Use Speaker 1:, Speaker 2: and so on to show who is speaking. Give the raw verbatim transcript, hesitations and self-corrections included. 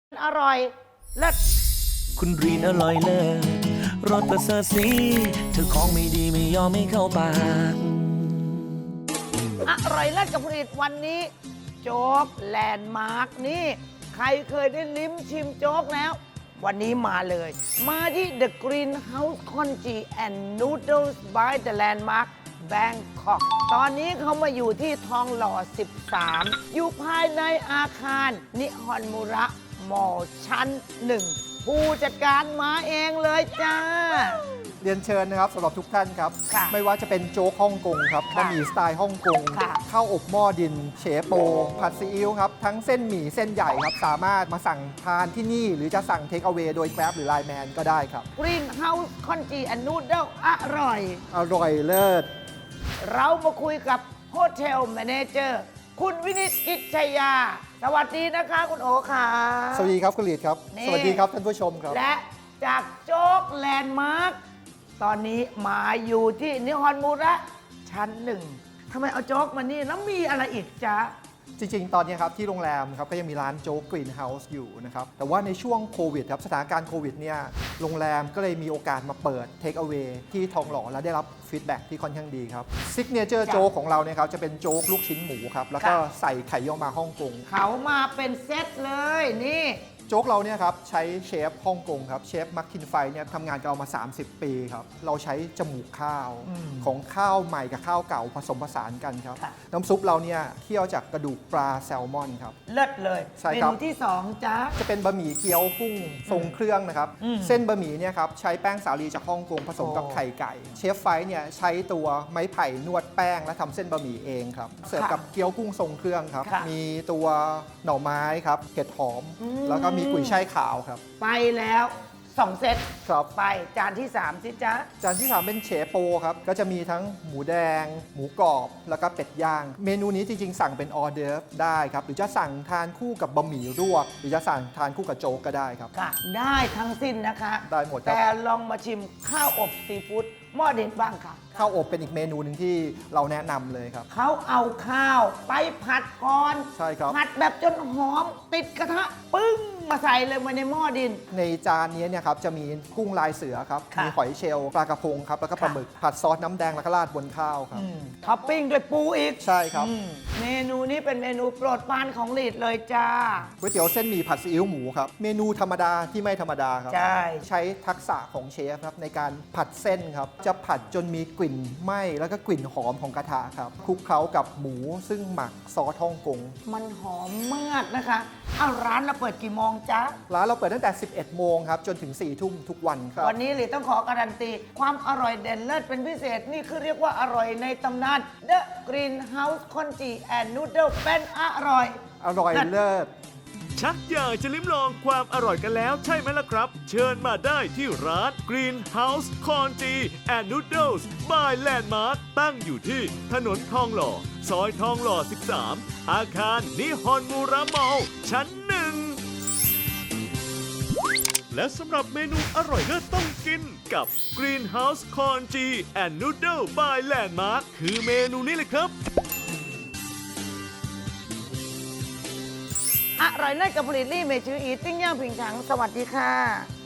Speaker 1: อร่อยเลิศ
Speaker 2: คุณรีนอร่อยเลิศรสประเสริฐสีเธอของไม่ดีไม่ยอมไม่เข้าปาก
Speaker 1: อร่อยเลิศกับผลิตวันนี้ โจ๊กแลนด์มาร์กนี่ ใครเคยได้ลิ้มชิมโจ๊กแล้ว วันนี้มาเลย มาที่ The Greenhouse Congee and Noodles by the Landmark Bangkok ตอนนี้เขามาอยู่ที่ทองหล่อ สิบสาม อยู่ภายในอาคารนิฮอนมุระมอชั้นหนึ่งผู้จัดการมาเองเลยจ้า
Speaker 3: เรียนเชิญนะครับสำหรับทุกท่านครับ
Speaker 1: ค่ะ
Speaker 3: ไม่ว่าจะเป็นโจ๊กฮ่องกงครับ
Speaker 1: ค่ะ
Speaker 3: บะหมี่สไตล์ฮ่องกง
Speaker 1: ค่ะ
Speaker 3: ข้าวอบหม้อดินเฉโป ผัดซีอิ๊วครับ ทั้งเส้นหมี่เส้นใหญ่ครับ สามารถมาสั่งทานที่นี่ หรือจะสั่งเทคเอา a y โดย Grab หรือ Line Man ก็ได้ครับ
Speaker 1: Greenhouse Congee and Noodle อร่อย
Speaker 3: อร่อยเลิศ
Speaker 1: เรามาคุยกับโฮเทลแมเนเจอร์คุณวินิตกิจชยา สวัสดีนะคะคุณโอค่ะ
Speaker 3: สวัสดีครับคุณลีดครับ
Speaker 1: นี่
Speaker 3: สวัสดีครับท่านผู้ชมครับ
Speaker 1: และจากโจ๊กแลนด์มาร์คตอนนี้มาอยู่ที่นิฮอนมูระชั้นหนึ่งทำไมเอาโจ๊กมานี่แล้วมีอะไรอีกจ๊ะ
Speaker 3: จริงๆ ตอนนี้ครับที่โรงแรมครับก็ยังมีร้านโจ๊กกรีนเฮาส์อยู่นะครับ แต่ว่าในช่วงโควิดครับสถานการณ์โควิดเนี่ยโรงแรมก็เลยมีโอกาสมาเปิดเทคเอา a y ที่ทองหล่อและได้รับฟีดแบ็กที่ค่อนข้างดีครับซิกเนเจอร์
Speaker 1: จ้ะ
Speaker 3: โจ๊กของเราเนี่ยครับจะเป็นโจ๊กลูกชิ้นหมูครับ แล้วก็
Speaker 1: ค่ะ
Speaker 3: ใส่ไข่ย่อมาฮ่องกง
Speaker 1: เขามาเป็นเซตเลยนี่
Speaker 3: โจ๊กเราเนี่ยครับใช้เชฟฮ่องกงครับเชฟมักคินไฟเนี่ยทำงานกับเรามา สามสิบ ปีครับเราใช้จมูกข้าว
Speaker 1: อืม
Speaker 3: ของข้าวใหม่กับข้าวเก่าผสมผสานกันครับ
Speaker 1: ค่ะ
Speaker 3: น้ำซุปเราเนี่ยเคี่ยวจากกระดูกปลาแซลมอนครับ
Speaker 1: เลิศเลย
Speaker 3: ใช่
Speaker 1: เม
Speaker 3: ครับ
Speaker 1: นูที่สองจ๊ะ
Speaker 3: จะเป็นบะหมี่เกี๊ยวกุ้งทรงเครื่องนะครับ
Speaker 1: อืม
Speaker 3: เส้นบะหมี่เนี่ยครับใช้แป้งสาลีจากฮ่องกงผสมกับ
Speaker 1: โอ้
Speaker 3: ไข่ไก่ เชฟไฟเนี่ยใช้ตัวไม้ไผ่นวดแป้งและทำเส้นบะหมี่เองครับ เสิร์ฟกับเกี๊ยวกุ้งทรงเครื่องครับ
Speaker 1: ค่ะ
Speaker 3: มีตัวหน่อไม้ครับเห็ดหอม
Speaker 1: อืม
Speaker 3: แล้วก็มีกุยช่ายขาวครับ
Speaker 1: ไปแล้วสองเซต
Speaker 3: ครับ
Speaker 1: ไปจานที่สามสิจ๊ะ
Speaker 3: จานที่สามเป็นเฉโปครับ ก็จะมีทั้งหมูแดง หมูกรอบ แล้วก็เป็ดย่าง เมนูนี้จริงๆ สั่งเป็นออเดอร์ฟได้ครับ หรือจะสั่งทานคู่กับบะหมี่ลวก หรือจะสั่งทานคู่กับโจ๊กก็ได้ครับ
Speaker 1: ค่ะ ได้ทั้งสิ้นนะคะ
Speaker 3: ได้หมดครับ
Speaker 1: แต่ลองมาชิมข้าวอบซีฟู้ดหม้อเด็ดบ้างค่ะ
Speaker 3: ข้าวอบเป็นอีกเมนูหนึ่งที่เราแนะนำเลยครับ
Speaker 1: เขาเอาข้าวไปผัดก่อน
Speaker 3: ใช่ครับ
Speaker 1: ผัดแบบจนหอมติดกระทะ ปึ้ง มาใส่เลยมาในหม้อดิน
Speaker 3: ในจานนี้เนี่ยครับจะมีกุ้งลายเสือครับ
Speaker 1: ค่ะ
Speaker 3: มีหอยเชลล์ปลากระพงครับ แล้วก็ปลาหมึก ผัดซอสน้ำแดงแล้วก็ราดบนข้าวครับ
Speaker 1: อืมท็อปปิ้งด้วยปูอีก
Speaker 3: ใช่ครับ
Speaker 1: อืมเมนูนี้เป็นเมนูโปรดปรานของลีดเลยจ้า
Speaker 3: ก๋วยเตี๋ยวเส้นหมี่ผัดซีอิ๊วหมูครับ เมนูธรรมดาที่ไม่ธรรมดาครับ
Speaker 1: ใช่
Speaker 3: ใช้ทักษะของเชฟครับในการผัดเส้นครับ จะผัดจนมีกลิ่นไหม้แล้วก็กลิ่นหอมของกระทะครับคลุกเคล้ากับหมูซึ่งหมักซอสฮ่องกง
Speaker 1: มันหอมมากนะคะเอาร้านเราเปิดกี่โมงจ๊ะ
Speaker 3: ร้านเราเปิดตั้งแต่ สิบเอ็ด โมงครับจนถึง สี่ ทุ่มทุกวันครับ
Speaker 1: วันนี้หลีต้องขอการันตี ความอร่อยเด่นเลิศเป็นพิเศษ นี่คือเรียกว่าอร่อยในตำนาน The Greenhouse Congee and Noodle เป็นอร่อย
Speaker 3: อร่อยเลิศ
Speaker 4: ชักอยากจะลิ้มลองความอร่อยกันแล้วใช่ไหมล่ะครับ เชิญมาได้ที่ร้าน Greenhouse Congee and Noodles by Landmark ตั้งอยู่ที่ถนนทองหล่อ ซอยทองหล่อ สิบสาม อาคารนิฮอนมูระมอลชั้นหนึ่ง และสำหรับเมนูอร่อยเลิศต้องกินกับ Greenhouse Congee and Noodle by Landmark คือเมนูนี้เลยครับ
Speaker 1: อร่อยเลิศกับผลิตลี่เมชื่ออีติ้งย่างผิงฉัง สวัสดีค่ะ